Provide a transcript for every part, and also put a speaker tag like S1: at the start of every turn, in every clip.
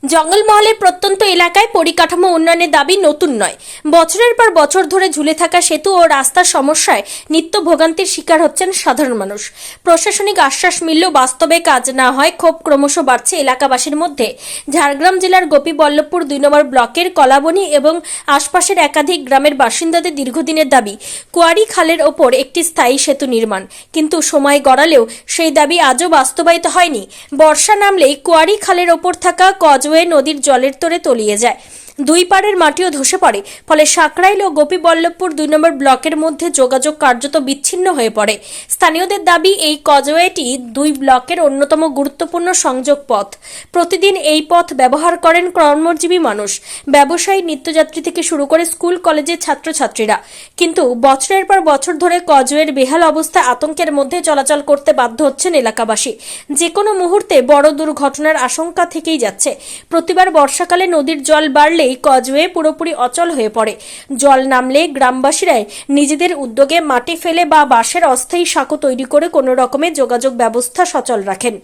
S1: জঙ্গলমহলের প্রত্যন্ত এলাকায় পরিকাঠামো উন্নয়নের দাবি নতুন নয়। বছরের পর বছর ধরে ঝুলে থাকা সেতু ও রাস্তার সমস্যায় নিত্য ভোগান্তির শিকার হচ্ছেন সাধারণ মানুষ। প্রশাসনিক আশ্বাস মিললেও বাস্তবে কাজ না হয় ক্ষোভ ক্রমশ বাড়ছে এলাকাবাসীর মধ্যে। ঝাড়গ্রাম জেলার গোপীবল্লভপুর 2 নম্বর ব্লকের কলাবনী এবং আশপাশের একাধিক গ্রামের বাসিন্দাদের দীর্ঘদিনের দাবি কুয়ারি খালের ওপর একটি স্থায়ী সেতু নির্মাণ, কিন্তু সময় গড়ালেও সেই দাবি আজও বাস্তবায়িত হয়নি। বর্ষা নামলেই কুয়ারি খালের ওপর থাকা কজওয়ে নদীর জলের তোড়ে তলিয়ে যায়, দুই পাড়ের মাটিও ধসে পড়ে। ফলে সাকরাইল ও গোপীবল্লভপুর 2 নম্বর ব্লকের মধ্যে যোগাযোগ কার্যত বিচ্ছিন্ন হয়ে পড়ে। স্থানীয়দের দাবি এই কজওয়েটি দুই ব্লকের অন্যতম গুরুত্বপূর্ণ সংযোগ পথ। প্রতিদিন এই পথ ব্যবহার করেন কর্মজীবী মানুষ, ব্যবসায়ী, নিত্যযাত্রী থেকে শুরু করে স্কুল কলেজের ছাত্রছাত্রীরা। কিন্তু বছরের পর বছর ধরে কজওয়ের বেহাল অবস্থায় আতঙ্কের মধ্যে চলাচল করতে বাধ্য হচ্ছেন এলাকাবাসী। যে কোনো মুহূর্তে বড় দুর্ঘটনার আশঙ্কা থেকেই যাচ্ছে। প্রতিবার বর্ষাকালে নদীর জল বাড়লে এই কজওয়ে পুরোপুরি অচল হয়ে পড়ে। জল নামলে গ্রামবাসীরাই নিজেদের উদ্যোগে মাটি ফেলে বা বাঁশের অস্থায়ী সাঁকো তৈরি করে কোনো রকমের যোগাযোগ ব্যবস্থা সচল রাখেন।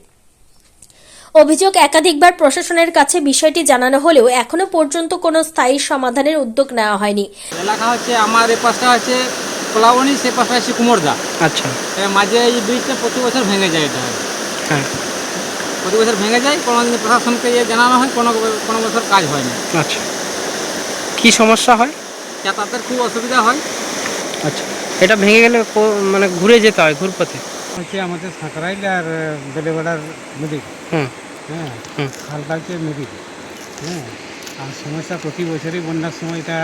S1: অভিযোগ, একাধিকবার প্রশাসনের কাছে বিষয়টি জানানো হলেও এখনো পর্যন্ত কোনো স্থায়ী সমাধানের উদ্যোগ নেওয়া হয়নি।
S2: এলাকা হচ্ছে আমার এই পাশটা আছে কলাবনী, সে পাশটা আছে কুমোরদা।
S3: আচ্ছা,
S2: মাঝে এই ব্রিজটা প্রতি বছর ভেঙে যায়। এটা
S3: হ্যাঁ,
S2: প্রতি বছর ভেঙে যায়, কোনো দিন প্রশাসনকে জানানো হয়, কোনো বছর কাজ হয় না।
S3: আচ্ছা, কি সমস্যা হয়?
S2: যাতায়াতের খুব অসুবিধা হয়।
S3: আচ্ছা, এটা ভেঙে গেলে মানে ঘুরে যেতে হয়, ঘুরপথে।
S2: হচ্ছে আমাদের সাঁকরাইল আর বেলেবেড়ার নদী,
S3: হুম
S2: হ্যাঁ,
S3: হুম
S2: খালটা হচ্ছে নদী, হ্যাঁ। আর সমস্যা প্রতি বছরই বন্যার সময় এটা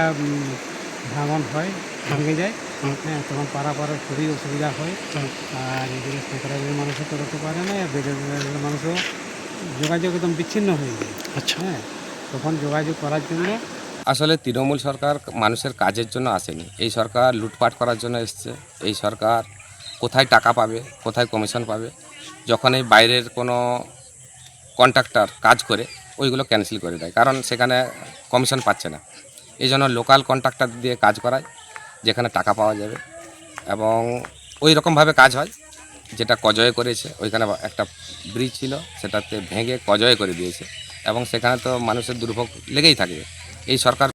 S2: ভাঙন হয়, ভেঙে যায়, হ্যাঁ, তখন পাড়ার খুবই অসুবিধা হয়। আর এদিকে সাঁকরাইলের মানুষও করতে পারে না, আর বেলেবেড়ার মানুষও যোগাযোগ একদম বিচ্ছিন্ন হয়ে যায়।
S3: আচ্ছা,
S2: হ্যাঁ, তখন যোগাযোগ করার জন্য
S4: আসলে তৃণমূল সরকার মানুষের কাজের জন্য আসেনি, এই সরকার লুটপাট করার জন্য এসছে। এই সরকার কোথায় টাকা পাবে, কোথায় কমিশন পাবে, যখন এই বাইরের কোনো কন্ট্রাক্টর কাজ করে ওইগুলো ক্যান্সেল করে দেয়, কারণ সেখানে কমিশন পাচ্ছে না। এই জন্য লোকাল কন্ট্রাক্টর দিয়ে কাজ করায়, যেখানে টাকা পাওয়া যাবে, এবং ওই রকমভাবে কাজ হয়। যেটা কজয়ে করেছে, ওইখানে একটা ব্রিজ ছিল, সেটাতে ভেঙে কজয়ে করে দিয়েছে, এবং সেখানে তো মানুষের দুর্ভোগ লেগেই থাকবে। এই সরকার